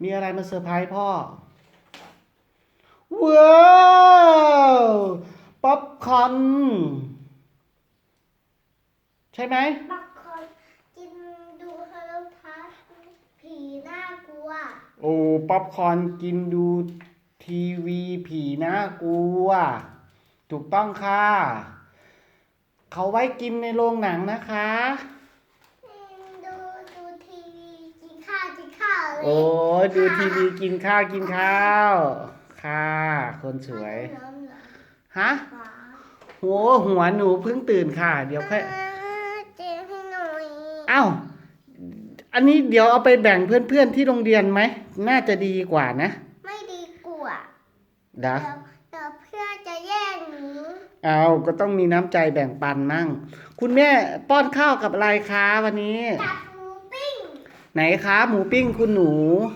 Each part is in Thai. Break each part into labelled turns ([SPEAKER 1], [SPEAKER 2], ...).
[SPEAKER 1] มีอะไรมาเซอร์ไพรส์พ่อว้าวป๊อปคอร์นใช่ไหม
[SPEAKER 2] บางคนกินดูโทรทัศน์ผีน่ากลัว
[SPEAKER 1] โอ้ป๊อปคอร์นกินดูทีวีผีน่ากลัวถูกต้องค่ะเขาไว้กินในโรงหนังนะคะ
[SPEAKER 2] ดูทีวีกินข้าวเลย
[SPEAKER 1] โอ้ดูทีวีกินข้าวค่ะคนสวยฮะหัวหนูเพิ่งตื่นค่ะเดี๋ยวค่อย
[SPEAKER 2] เจ๊ให้หน่อย
[SPEAKER 1] อ้าวอันนี้เดี๋ยวเอาไปแบ่งเพื่อนๆที่โรงเรียนไหมน่าจะดีกว่านะ
[SPEAKER 2] ไม่ดีกว่า
[SPEAKER 1] เดี๋
[SPEAKER 2] ยวเพื่อนจะแย่งหนู
[SPEAKER 1] เอาก็ต้องมีน้ำใจแบ่งปันมั่งคุณแม่ป้อนข้าวกับอะไรคะวันนี้
[SPEAKER 2] กับหมูปิ้ง
[SPEAKER 1] ไหนคะหมูปิ้งคุณหนู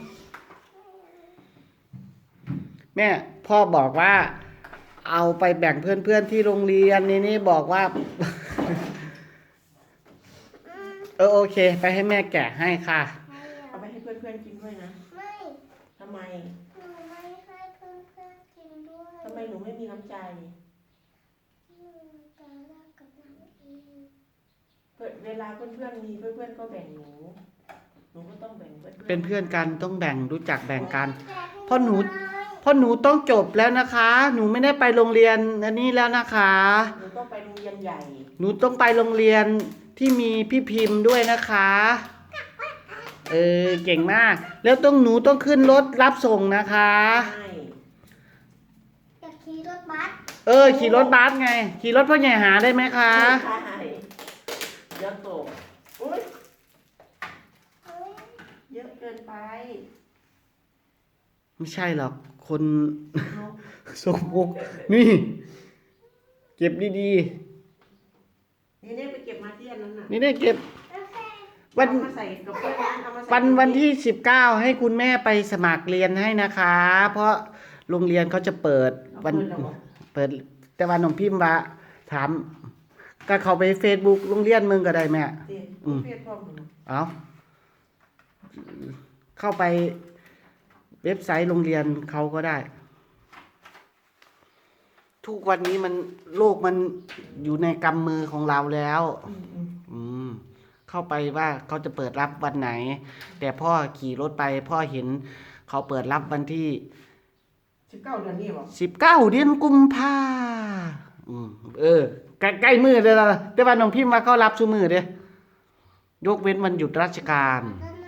[SPEAKER 1] แม่พ่อบอกว่าเอาไปแบ่งเพื่อนๆที่โรงเรียนนี่บอกว่าโอเคไปให้แม่แกะให้ค่ะ
[SPEAKER 3] เอาไปให้เพื่อนๆกินด้วยนะ
[SPEAKER 2] ไม่
[SPEAKER 3] ทำไม
[SPEAKER 2] หนูไม่ให้เพื่อนๆกินด้วย
[SPEAKER 3] ทำไมหนูไม่มีน้ำใจ
[SPEAKER 2] จะรักกับหนูเอง
[SPEAKER 3] เวลาเพื่อนๆมีเพื่อนๆก็แบ่งหนูก็ต้องแบ่งเพื่อน
[SPEAKER 1] เป็นเพื่อนกันต้องแบ่งรู้จักแบ่งกันเพราะหนูต้องจบแล้วนะคะหนูไม่ได้ไปโรงเรียนอันนี้แล้วนะคะ
[SPEAKER 3] หนูต้องไปโรงเรียนใหญ่
[SPEAKER 1] หนูต้องไปโรงเรียนที่มีพี่พิมพ์ด้วยนะคะเก่งมากแล้วหนูต้องขึ้นรถรับส่งนะคะ
[SPEAKER 2] อยากขี่รถบัส
[SPEAKER 1] ขี่รถบัสไงขี่รถพ่อใหญ่หาได้ไหมคะ
[SPEAKER 3] ใช่เยอะโตอุ้ยเยอะเกินไป
[SPEAKER 1] ไม่ใช่หรอกคนสกปรกนี่เก็บดี
[SPEAKER 3] นี่ไปเก็บมาที่อันนั้นน่ะ
[SPEAKER 1] นี่เก็บวันที่19ให้คุณแม่ไปสมัครเรียนให้นะคะเพราะโรงเรียนเขาจะเปิดแต่วันน้องพิมพ์ว่าถามก็เข้าไป Facebook โรงเรียนมึงก็ได้แม่เอาเข้าไปเว็บไซต์โรงเรียนเขาก็ได้ทุกวันนี้โลกมันอยู่ในกำมือของเราแล้วเข้าไปว่าเขาจะเปิดรับวันไหนแต่พ่อขี่รถไปพ่อเห็นเขาเปิดรับวันที่
[SPEAKER 3] 19 เดือนนี้หรอ
[SPEAKER 1] 19 เดือนกุมภาใกล้มือเลยล่ะแต่ว่าน้องพิมพ์ว่าเขารับซุมือเด้ยกเว้นวันหยุดราชการ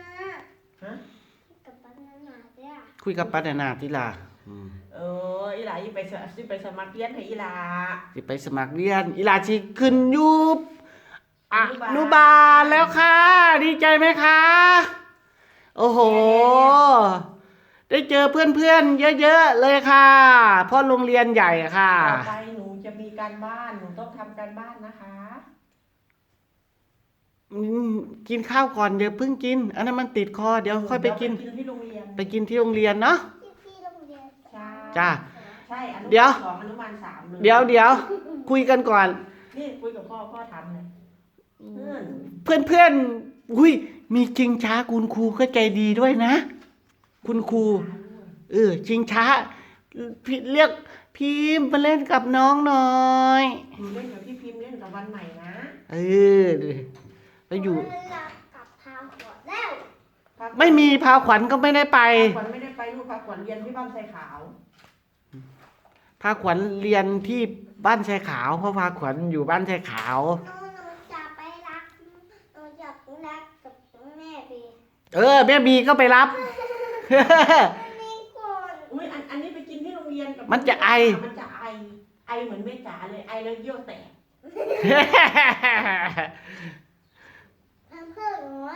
[SPEAKER 1] คุยกับป้านาที่ล่ะ
[SPEAKER 3] อีหลาไปสมัครเรียนให้อีหลา
[SPEAKER 1] สิไปสมัครเรียนอีหลาสิขึ้นอยู่อนุบาลแล้วค่ะดีใจไหมคะโอ้โหได้เจอเพื่อนๆเยอะๆเลยค่ะเพราะโรงเรียนใหญ่ค่ะ
[SPEAKER 3] ต่อไปหนูจะมีการบ้านหนูต้องทำการบ้านนะคะ
[SPEAKER 1] กินข้าวก่อนเดี๋ยวเพิ่งกินอันนั้นมันติดคอเดี๋ยวค่อยไปกิน
[SPEAKER 3] ที่โรงเรียน
[SPEAKER 1] ไปกินที่โรงเรียนเนาะจ้า
[SPEAKER 3] ใช่
[SPEAKER 1] เดี๋ยว
[SPEAKER 3] อนุบาล 3
[SPEAKER 1] เดี๋ยวคุยกันก่อน
[SPEAKER 3] นี่คุยกับพ่อทำเลย
[SPEAKER 1] เพื่อนมีชิงช้าคุณครูก็ใจดีด้วยนะคุณครูชิงช้าเรียกพิมพ์มาเล่นกับน้องหน่อย
[SPEAKER 3] เล่นกับพี่พิมพ์เล่นกับวันใหม่นะ
[SPEAKER 1] ไปอยู่
[SPEAKER 2] กับพาขวัญแล้ว
[SPEAKER 1] ไม่มีพาขวัญก็ไม่ได้ไป
[SPEAKER 3] ขวัญไม่ได้ไปลูกพาขวัญเรียนที่บ้านทรายขาว
[SPEAKER 1] พาขวัญเรียนที่บ้านทรายขาวเพราะพาขวัญอยู่บ้านทรายขาว
[SPEAKER 2] จะไปรับกับแม่บี
[SPEAKER 1] แม่บีก็ไปรับ
[SPEAKER 3] อุ้ยอันนี้ไปกินที่โรงเรียนกับ
[SPEAKER 1] มันจะไอ
[SPEAKER 3] เหมือนแม่จ๋าเลยไอแล้วเยี่ยวแตก
[SPEAKER 2] แพมเพิร์สน้อย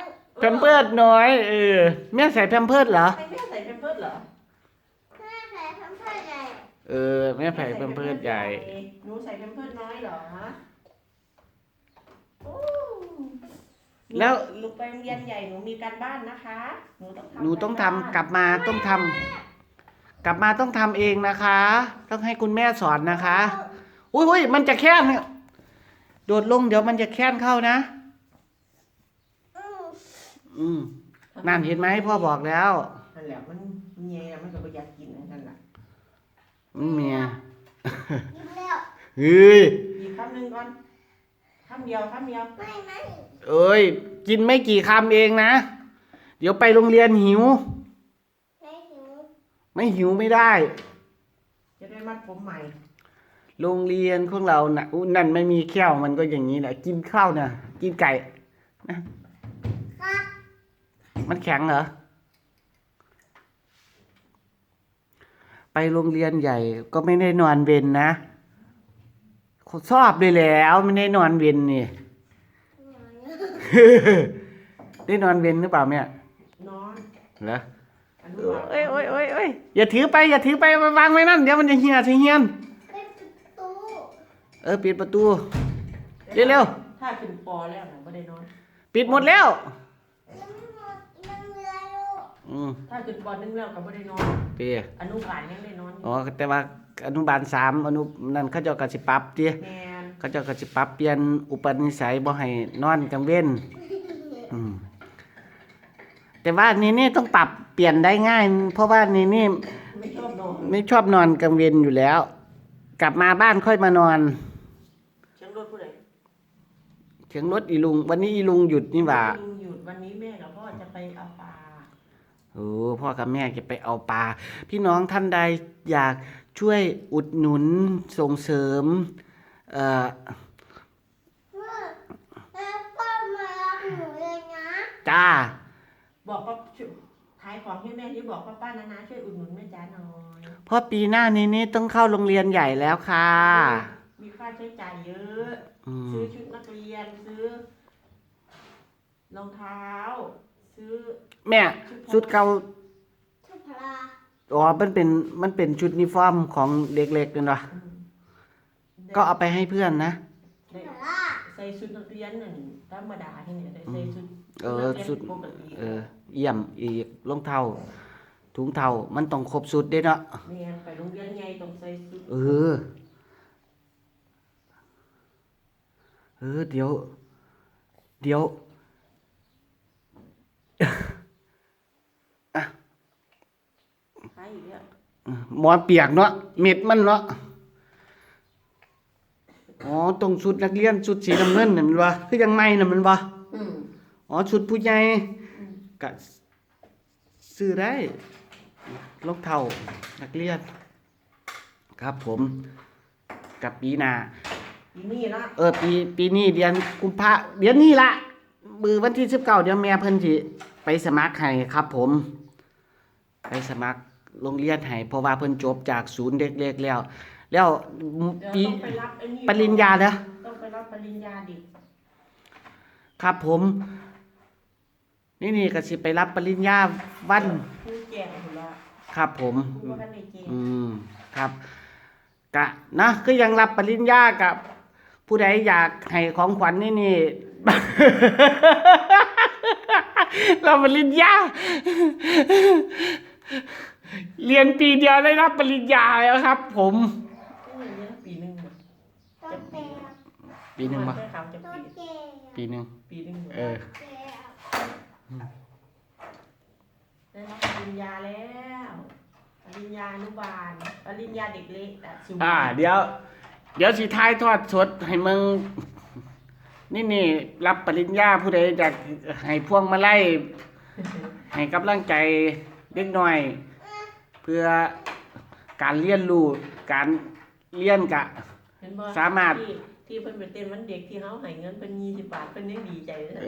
[SPEAKER 1] แม่ใส่แพมเพิร์สเหรอ
[SPEAKER 3] แม่ใส่แพมเพิร์สเหรอ
[SPEAKER 2] แม่ใส่แพมเพิร์สใหญ่
[SPEAKER 1] แม่ใส่แพมเพิร์สใหญ่
[SPEAKER 3] หนูใส่แพมเพิร์สน้อยเหรอ
[SPEAKER 1] แล้ว
[SPEAKER 3] ลูกไปโรงเรียนใหญ่หนูมีการบ้านนะคะ
[SPEAKER 1] หนูต้องทำกลับมาต้องทำเองนะคะต้องให้คุณแม่สอนนะคะอุ้ยมันจะแค้นโดดลงเดี๋ยวมันจะแค้นเข้านะนั่นเห็นไหมพ่อบอกแล้ว
[SPEAKER 3] นั่นแหละมันเมียมันก็บ่อยากกินนั่นแหละ
[SPEAKER 1] มันเมีย
[SPEAKER 2] กินแล้ว
[SPEAKER 1] เฮ้ย
[SPEAKER 3] อีกคำหนึ่งก่อนคำเดียว
[SPEAKER 2] ไม่
[SPEAKER 1] เอ้ยกินไม่กี่คำเองนะเดี๋ยวไปโรงเรียนหิว
[SPEAKER 2] ไม่หิว
[SPEAKER 1] ไม่หิวไม่ได้
[SPEAKER 3] จะได้มัดผมใหม่
[SPEAKER 1] โรงเรียนของเราน่ะอุ๊ยนั่นไม่มีแก้วมันก็อย่างนี้แหละกินข้าวน่ะกินไก่นะครับ มันแข็งเหรอไปโรงเรียนใหญ่ก็ไม่ได้นอนเวรนะชอบเลยแล้วไม่ได้นอนเวรนี่ ได้นอนเวรหรือเปล่าแม่
[SPEAKER 3] นอน
[SPEAKER 1] เหรอ
[SPEAKER 3] อนุบาล
[SPEAKER 1] เอ้ยอย่าถือไปวางไว้นั่นเดี๋ยวมันจะเหี่ยใส่เหียน
[SPEAKER 2] เป็นประตู
[SPEAKER 1] ปิดประตูเร็ว
[SPEAKER 3] ถ้าขึ้นปอแล้วนะไม่ได้นอน
[SPEAKER 1] ๆปิดหมดแล้ว
[SPEAKER 2] ยังไม่หมดยังเหลืออยู่
[SPEAKER 3] ถ้าขึ้นปอนึงแล้วก็ไม่ได้นอน
[SPEAKER 1] เปีย
[SPEAKER 3] อนุบาลยังได้นอนอยู่
[SPEAKER 1] อ๋อแต่ว่าอนุบาล3นั่นเขาเจ้าก็สิปรับติ
[SPEAKER 3] แมน
[SPEAKER 1] เขาเจ้าก็สิปรับเปลี่ยนอุปนิสัยบ่ให้นอนกลางเว้นแต่ว่านี่ต้องปรับเปลี่ยนได้ง่าย เพราะว่านี่
[SPEAKER 3] ไม่ชอบนอน
[SPEAKER 1] ไม่ชอบนอนกลางเว้นอยู่แล้ว กลับมาบ้านค่อยมานอน
[SPEAKER 3] เชียงรถผู้ใด
[SPEAKER 1] เถียงรถอีลุง วันนี้อีลุงหยุดนี่หว่า
[SPEAKER 3] ลุงหยุดวันนี้แม่กับพ่อจะไปเอาปลา
[SPEAKER 1] โอ้พ่อกับแม่จะไปเอาปลาพี่น้องท่านใดอยากช่วยอุดหนุนส่งเสริม
[SPEAKER 2] แม่ป้ามารับหนูเลยนะ
[SPEAKER 1] จ้า
[SPEAKER 3] บอกว่าขายของให้แม่ที่บอกป้านาช่วยอุดหนุนแม่จ๋าหน่อย
[SPEAKER 1] เพราะปีหน้านี้ต้องเข้าโรงเรียนใหญ่แล้วค่ะ
[SPEAKER 3] มีค่าใช้จ่ายเยอะ
[SPEAKER 1] อืม
[SPEAKER 3] ซื้อชุดนักเรียนซื้อรองเท้า ซื้อ
[SPEAKER 1] แม่ชุดเก่า
[SPEAKER 2] ชุดพลา
[SPEAKER 1] อ๋อมันเป็นชุดยูนิฟอร์มของเด็กๆกันวะก็เอาไปให้เพื่อนนะ
[SPEAKER 3] ได้
[SPEAKER 2] พลา
[SPEAKER 3] ใส่ชุดนักเรียนหนึ่งธรรมดาให้เนี่ยได้ใส่ชุด
[SPEAKER 1] ชุด
[SPEAKER 3] ปกติ
[SPEAKER 1] เยี่ยมอีกรองเท้าถุงเท้ามันต้องครบชุดเด้เนาะ
[SPEAKER 3] เนี่ยไปโรงเรียนไงต้องใส่ชุด
[SPEAKER 1] เเดี๋ยวอ่ะ
[SPEAKER 3] ใช่อีกแล้ว
[SPEAKER 1] หมอนเปียกเนาะเม็ดมันเนาะอ๋อตรงชุดนักเรียนชุดสีน้ำเงินน่ะมันวะคือยังไม่น่ะมันวะ
[SPEAKER 3] อืม
[SPEAKER 1] อ๋อชุดผู้ใหญ่ก็ซื้อได้รองเท้านักเรียนครับผมกับปีหน้า
[SPEAKER 3] อีนี่ละ
[SPEAKER 1] ปีนี้เดือนกุมภาเดือนนี้ละมือวันที่19เดี๋ยวแม่เพิ่นสิไปสมัครให้ครับผม ไปสมัครโรงเรียนให้เพราะว่าเพิ่นจบจากศูนย์เด็กเล็กแล้ว
[SPEAKER 3] เดี๋ยว
[SPEAKER 1] ปี
[SPEAKER 3] ต้องไปรับไอ้นี่
[SPEAKER 1] ปริญญาเด้อ
[SPEAKER 3] ต้องไปรับปริญญาดิ
[SPEAKER 1] ครับผม นี่ก็สิไปรับปริญญาวัน
[SPEAKER 3] คือแก่หมดแล้ว
[SPEAKER 1] ครับผม
[SPEAKER 3] คือว่ากันในเกม
[SPEAKER 1] ครับกะนะคือยังรับปริญญากับผู้ใดอยากให้ของขวัญนี่ รับปริญญา เรียนปีเดียวได้รับปริญญาแล้วครับ ผม
[SPEAKER 3] นี่เรียนปีหนึ่งหมด
[SPEAKER 2] ตัวแก่
[SPEAKER 1] ปีหนึ่งปะ
[SPEAKER 3] แค่เขาจะ
[SPEAKER 2] ตัว
[SPEAKER 3] ปี
[SPEAKER 2] แก่
[SPEAKER 1] ปีหนึ่ง
[SPEAKER 3] ปีหนึ่งหมด
[SPEAKER 2] แก่
[SPEAKER 3] ได้รับปริญญาแล้วปริญญาอนุบาลปริญญาเด็กเล็กอะสูง
[SPEAKER 1] เดี๋ยวสิท้ายทอดสดให้มึงนี่รับปริญญาผู้ใดอยากให้พวงมาลัยให้กำลังใจเด็กน้อย เพื่อการเรียนรู้การเรียนกะ
[SPEAKER 3] เห็นบ่
[SPEAKER 1] สามารถ
[SPEAKER 3] ที่เพิ่นไปเต้นวันเด็กที่เฮาให้เงินเพิ่น20 บาทเพิ่นยังดีใจเลยนะ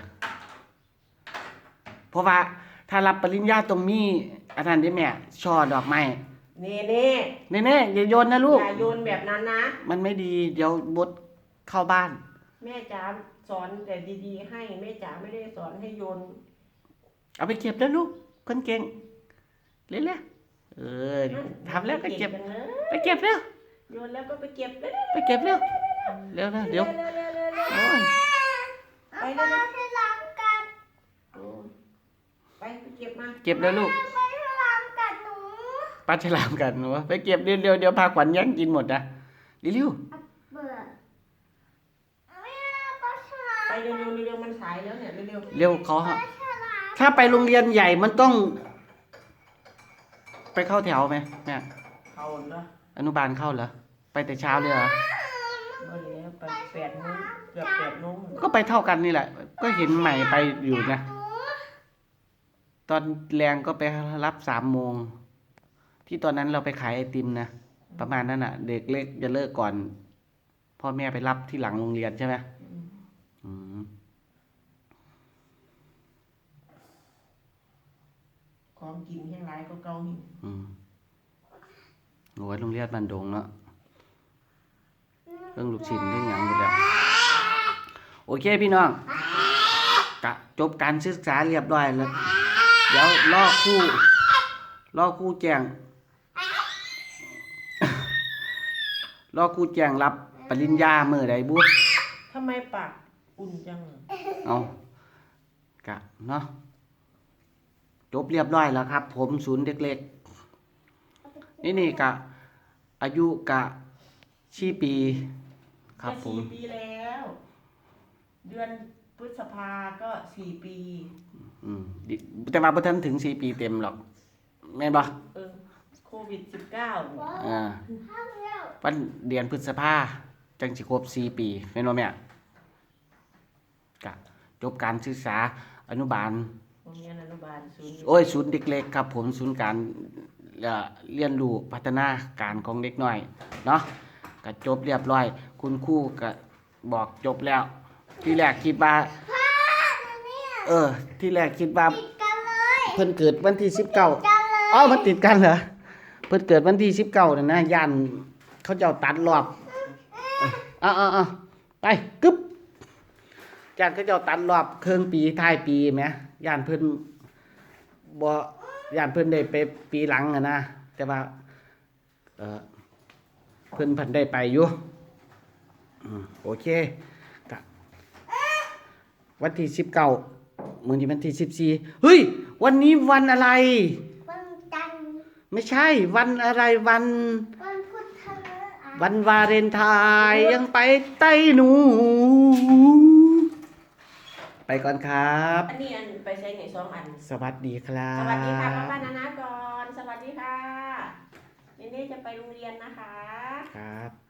[SPEAKER 1] เพราะว่าถ้ารับปริญญาตรงนี้อาจารย์ได้แม่ช่อดอกไม้
[SPEAKER 3] เน่
[SPEAKER 1] เน่ๆอย่าโยนนะลูก
[SPEAKER 3] อย่าโยนแบบนั้นนะ
[SPEAKER 1] มันไม่ดีเดี๋ยวบดเข้าบ้าน
[SPEAKER 3] แม่จ๋าสอนแต่ดีๆให้แม่จ๋าไม่ได้สอนให้โยน
[SPEAKER 1] เอาไปเก็บแล้วลูกคนเก่งเร็วๆทำแล้วก็เก็บ
[SPEAKER 3] จังเลย
[SPEAKER 1] ไปเก็บเร็ว
[SPEAKER 3] โยนแล้วก็ไปเก็บเร็ว
[SPEAKER 1] ไปเก็บเร็วเร็วนะเดี๋ยว
[SPEAKER 3] ๆ
[SPEAKER 1] โอ้ย
[SPEAKER 3] ๆไป
[SPEAKER 2] ป้า
[SPEAKER 3] เร็ว
[SPEAKER 2] ให้ล้างกัน
[SPEAKER 3] ๆไปเก็บมา
[SPEAKER 1] เก็บแล้วลูก
[SPEAKER 2] ไปให้ล้างกันหนู
[SPEAKER 1] ปลาฉลามกันหนูไปเก็บเร็วๆเดี๋ยวพาขวัญแย่งกินหมดนะเร็ว
[SPEAKER 2] เบื่อไม่เอาปลาฉลาม
[SPEAKER 3] ไปเร็วๆมันสายแล้วเนี่ยเร็ว
[SPEAKER 1] เร็วเขา
[SPEAKER 2] ปลาฉลาม
[SPEAKER 1] ถ้าไปโรงเรียนใหญ่มันต้องไปเข้าแถวไหมแม่
[SPEAKER 3] เขาเนาะ
[SPEAKER 1] อนุบาลเข้าเหรอไปแต่เช้าเลยเหรอ
[SPEAKER 3] ก็เลยไป8 โมงเกือบ8 โมง
[SPEAKER 1] ก็ไปเท่ากันนี่แหละ ก็เห็นใหม่ไปอยู่นะ ตอนแรงก็ไปรับ3 โมงที่ตอนนั้นเราไปขายไอติมนะประมาณนั้นอ่ะ เด็กเล็กจะเลิกก่อนพ่อแม่ไปรับที่หลังโรงเรียนใช่ไหมอืม
[SPEAKER 3] ของกินแห้งไรก็เก่าหิ
[SPEAKER 1] อืมโอ้ยโรงเรียนบ้านดงเนาะเรื่องลูกชิ้นเรื่องหยังหมดแล้วโอเคพี่น้องกะจบการศึกษาเรียบร้อยแล้ว เดี๋ยวรอครู่แจ้ง รอครู่แจ้งรับปริญญามื้อใดบุ
[SPEAKER 3] ทำไมปากอุ่นจัง
[SPEAKER 1] เอากะเนาะจบเรียบร้อยแล้วครับ ผมศูนย์เด็กเล็กนี่กะ อายุกะ4 ปีครับผม
[SPEAKER 3] 4 ปีแล้ว เดือนพฤษภาก็4 ปี
[SPEAKER 1] ดิแต่ว่าบ่ทันถึง4 ปีเต็มหรอก แม่นบ่
[SPEAKER 3] โควิด 19
[SPEAKER 1] อ่า
[SPEAKER 2] ข้าวแล้ว
[SPEAKER 1] วันเดือนพฤษภาจังสิครบ4 ปีแม่นบ่แม่กะจบการศึกษาอนุบาล
[SPEAKER 3] โรงเรียนอนุบาลศูนย์
[SPEAKER 1] โอ้ยศูนย์เด็กเล็กครับผมศูนย์การเรียนรู้พัฒนาการของเด็กน้อยเนาะก็จบเรียบร้อย คุณครูก็บอกจบแล้ว ที่แรกคิดว่า
[SPEAKER 2] พ่อเนี่ย
[SPEAKER 1] ที่แรกคิดว่า
[SPEAKER 2] ติดกันเลย
[SPEAKER 1] เพิ่นเกิดวันที่19
[SPEAKER 2] กันเลย
[SPEAKER 1] อ๋อมันติดกันเหรอเพิ่นเกิดวันที่19นั่นนะย่านเขาเจ้าตัดรอบเอาไปกึ๊บย่านเขาเจ้าตัดรอบครึ่งปีท้ายปีแหมย่านเพิ่นบ่ย่านเพิ่นได้ไปปีหลังอะนะแต่ว่าเพิ่นได้ไปอยู่โอเคกะวันที่19มื้อนี้วันที่14เฮ้ยวันนี้วันอะไร
[SPEAKER 2] วันจันทร์
[SPEAKER 1] ไม่ใช่วันอะไรวัน
[SPEAKER 2] วันพุธทะเลอ่ะ
[SPEAKER 1] วันวาเลนไทน์ยังไปใต้หนู ไปก่อนครับ
[SPEAKER 3] อันนี้ไปใช้ไหน2 อัน
[SPEAKER 1] สวัสดีครับ
[SPEAKER 3] สวัสดีค่ะป้านานาก่อน สวัสดีค่ะเนเน่จะไปโรงเรียนนะคะ
[SPEAKER 1] ครับ